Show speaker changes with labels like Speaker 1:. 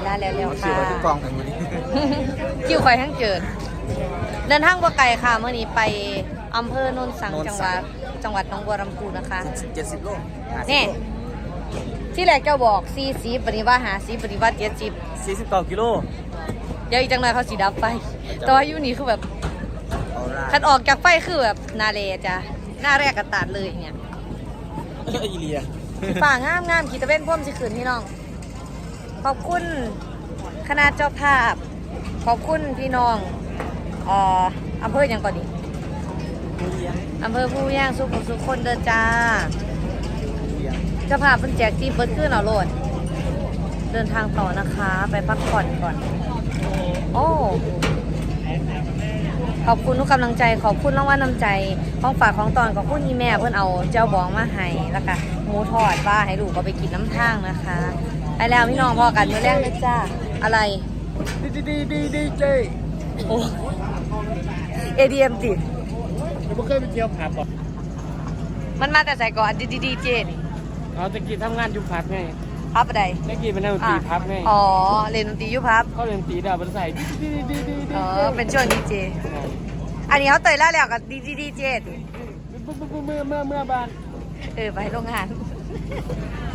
Speaker 1: ลาแล้ว
Speaker 2: คิว
Speaker 1: ค่ะ
Speaker 2: ที่กองกันอยู่นี่
Speaker 1: คิวคอยทั้งเจิดเดินทางบ่ไกลค่ะเมื่อนี้ไปอำเภอโนนสังจังหวัดหนองบัวลำพูนะคะ
Speaker 2: 70 โล
Speaker 1: นี่ที่แรกเจ้าบอก40ปฏิวัติ50ปฏิวัติ70
Speaker 2: 49 กิโล
Speaker 1: เดี๋ยวอีกจังหน่อยเขาสีดับไฟแต่ว่าอยู่นี่คือแบบคันออกจากไฟคือแบบนาเลจ้ะหน้าแรกกระตาดเลยเนี่ย
Speaker 2: อีเลีย
Speaker 1: ป่างามงามขีตะเว้นพ่มสิขืนพี่น้องขอบคุณคณะเจ้าภาพขอบคุณพี่น้องอำเภอยังก่อนดิอำเภอผู้ย่างสุขคนเดินจ้าเจ้าภาพเป็นแจกทีมเปิดขึ้นเอาโลดเดินทางต่อนะคะไปพักผ่อนก่อนโอ้ขอบคุณทุกกำลังใจขอบคุณรางวัลน้ำใจของฝากของตอนขอบคุณที่แม่เพื่อนเอาเจ้าบองมาให้แล้วก็หมูทอดว่าให้ลูกก็ไปกินน้ำทางนะคะไปแล้วพี่น้องพอกันมื้อแรกนะจ้าอะไร
Speaker 2: ดีเจ
Speaker 1: โอ้ ADM ติ
Speaker 3: ไม่เคยไปเที่ยวผับหรอก
Speaker 1: มันมาแต่ใส่ก่อนดีเจนี่
Speaker 3: เราตะกี้ทำงานอยู่ผับไง
Speaker 1: พับอะไร
Speaker 3: ตะกี้เป็นนักดนตรีผับไง
Speaker 1: อ๋อเล่นดนตรีอยู่พับ
Speaker 3: เขาเล่นดนตรีดาวบนใส่ดี
Speaker 1: เป็นช่วงดีเจอันนี้เขาเตยแล้วแล้วกับดีเจติ
Speaker 3: เมื่อบ้าน
Speaker 1: ไปโรงงาน